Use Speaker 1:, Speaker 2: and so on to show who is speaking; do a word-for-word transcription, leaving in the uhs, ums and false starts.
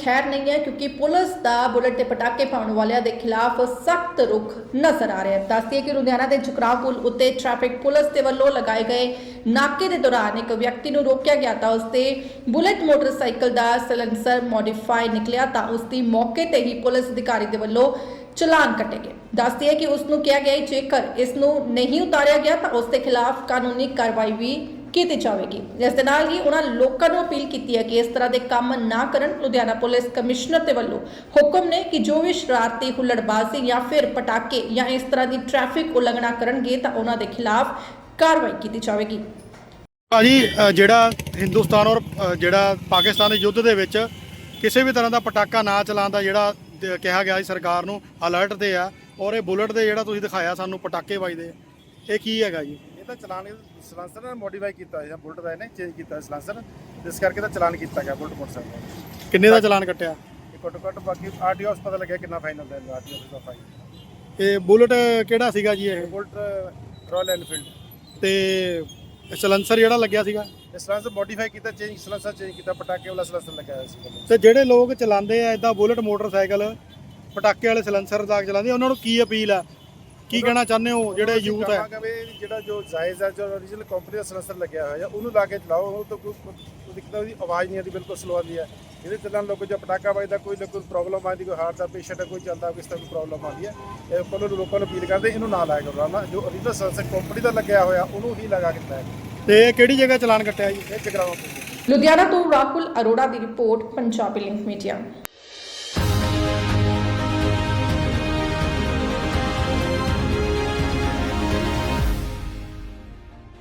Speaker 1: खैर नहीं है, क्योंकि पुलिस का बुलेट के पटाके पाने वालों के खिलाफ सख्त रुख नजर आ रहा है। दस दिए कि लुधियाना के जुकराव पुल उत्ते ट्रैफिक पुलिस के वलों लगाए गए नाके के दौरान एक व्यक्ति को रोकया गया था। उसके बुलेट मोटरसाइकिल का सलेंसर मॉडिफाई निकलिया तो उसकी मौके पर ही पुलिस अधिकारी के वलों चलान कटे गए। दस दिए कि उसनों कहा गया जेकर इसनों नहीं उतारिया गया तो उसके खिलाफ कानूनी कार्रवाई भी की जाएगी। इस दे नाल ही उन्होंने लोगों को अपील की है कि इस तरह के काम ना करन। लुधियाना पुलिस कमिश्नर के वलों हुक्म ने कि जो भी शरारती हुल्लड़बाजी या फिर पटाके या इस तरह की ट्रैफिक उल्लंघना करनगे तो उन्होंने खिलाफ कार्रवाई की जाएगी।
Speaker 2: भाजी ਜਿਹੜਾ ਹਿੰਦੁਸਤਾਨ ਔਰ ਜਿਹੜਾ ਪਾਕਿਸਤਾਨ ਦੇ ਯੁੱਧ ਦੇ ਵਿੱਚ ਕਿਸੇ ਵੀ ਤਰ੍ਹਾਂ ਦਾ ਪਟਾਕਾ ਨਾ ਚਲਾਉਣ ਦਾ ਜਿਹੜਾ ਕਿਹਾ ਗਿਆ ਸੀ ਸਰਕਾਰ ਨੂੰ ਅਲਰਟ ਤੇ ਆ, ਔਰ ਇਹ ਬੁਲਟ ਦੇ ਜਿਹੜਾ ਤੁਸੀਂ ਦਿਖਾਇਆ ਸਾਨੂੰ ਪਟਾਕੇ ਵੱਜਦੇ ਇਹ ਕੀ ਹੈਗਾ ਜੀ?
Speaker 3: ਇਹ ਤਾਂ ਚਲਾਨ ਸਲਾਂਸਰ ਨੇ ਮੋਡੀਫਾਈ ਕੀਤਾ ਹੈ, ਬੁਲਟ ਦਾ ਇਹਨੇ ਚੇਂਜ ਕੀਤਾ ਸਲਾਂਸਰ, ਜਿਸ ਕਰਕੇ ਤਾਂ ਚਲਾਨ ਕੀਤਾ ਗਿਆ ਬੁਲਟ ਮੋਟਰਸਾਈਕਲ।
Speaker 2: ਕਿੰਨੇ ਦਾ ਚਲਾਨ ਕੱਟਿਆ?
Speaker 3: ਇਹ ਘੱਟੋ ਘੱਟ ਬਾਕੀ ਆਰਟੀਓ ਪਤਾ ਲੱਗਿਆ ਕਿੰਨਾ ਫਾਈਨਲ ਦਾ ਆਰਟੀਓ ਦਾ ਫਾਈਨ।
Speaker 2: ਇਹ ਬੁਲਟ ਕਿਹੜਾ ਸੀਗਾ ਜੀ? ਇਹ
Speaker 3: ਬੁਲਟ ਰਾਇਲ ਐਨਫੀਲਡ।
Speaker 2: ਤੇ ਸਲੈਂਸਰ ਜਿਹੜਾ ਲੱਗਿਆ ਸੀਗਾ
Speaker 3: ਇਹ ਸਲਾਂਸਰ ਮੋਡੀਫਾਈ ਕੀਤਾ, ਚੇਂਜ ਸਲਾਂਸਰ ਚੇਂਜ ਕੀਤਾ, ਪਟਾਕੇ ਵਾਲਾ ਸਲਾਂਸਰ ਲੱਗਿਆ ਹੋਇਆ ਸੀ।
Speaker 2: ਤੇ ਜਿਹੜੇ ਲੋਕ ਚਲਾਉਂਦੇ ਆ ਇਦਾਂ ਬੁਲਟ ਮੋਟਰਸਾਈਕਲ ਪਟਾਕੇ ਵਾਲੇ ਸਲੈਂਸਰ ਦਾ ਚਲਾਉਂਦੇ ਉਹਨਾਂ ਨੂੰ ਕੀ ਅਪੀਲ ਆ, ਕੀ ਕਹਿਣਾ ਚਾਹੁੰਦੇ ਹੋ ਜਿਹੜੇ ਯੂਥ ਹੈ?
Speaker 3: ਜਿਹੜਾ ਜੋ ਜਾਇਜ਼ ਹੈ, ਜੋ ਓਰੀਜਨਲ ਕੰਪਨੀ ਦਾ ਸਲੈਂਸਰ ਲੱਗਿਆ ਹੋਇਆ ਉਹਨੂੰ ਲਾ ਕੇ ਚਲਾਓ। ਉਹ ਤਾਂ ਕੋਈ ਦਿੱਕਤ ਉਹਦੀ ਆਵਾਜ਼ ਨਹੀਂ ਆਉਂਦੀ, ਬਿਲਕੁਲ ਸਲੋ ਆਉਂਦੀ ਹੈ। ਇਹਦੇ ਚੱਲਣ ਲੋਕ ਜੋ ਪਟਾਕਾ ਵੱਜਦਾ ਕੋਈ ਨਾ ਕੋਈ ਪ੍ਰੋਬਲਮ ਆਉਂਦੀ, ਕੋਈ ਹਾਰਟ ਦਾ ਪੇਸ਼ੈਂਟ ਹੈ, ਕੋਈ ਚੱਲਦਾ ਕਿਸ ਤਰ੍ਹਾਂ ਦੀ ਪ੍ਰੋਬਲਮ ਆਉਂਦੀ ਹੈ। ਇਹ ਉੱਪਰ ਨੂੰ ਲੋਕਾਂ ਨੂੰ ਅਪੀਲ ਕਰਦੇ ਇਹਨੂੰ ਨਾ ਲਾਇਆ ਕਰੋ ਨਾ, ਜੋ ਓਰੀਜਨਲ ਸਲੈਂਸਰ ਕੰਪਨੀ ਦਾ ਲੱਗਿਆ ਹੋਇਆ ਉਹਨੂੰ ਹੀ ਲਗਾ ਕੇ ਹੈ।
Speaker 2: ਤੇ ਕਿਹੜੀ ਜਗ੍ਹਾ ਚਲਾਨ ਕੱਟਿਆ ਜੀ?
Speaker 3: ਇਹ ਜਗਰਾਵਾਂ।
Speaker 1: लुधियाना तो राहुल अरोड़ा की रिपोर्ट, पंजाबी लिंक मीडिया।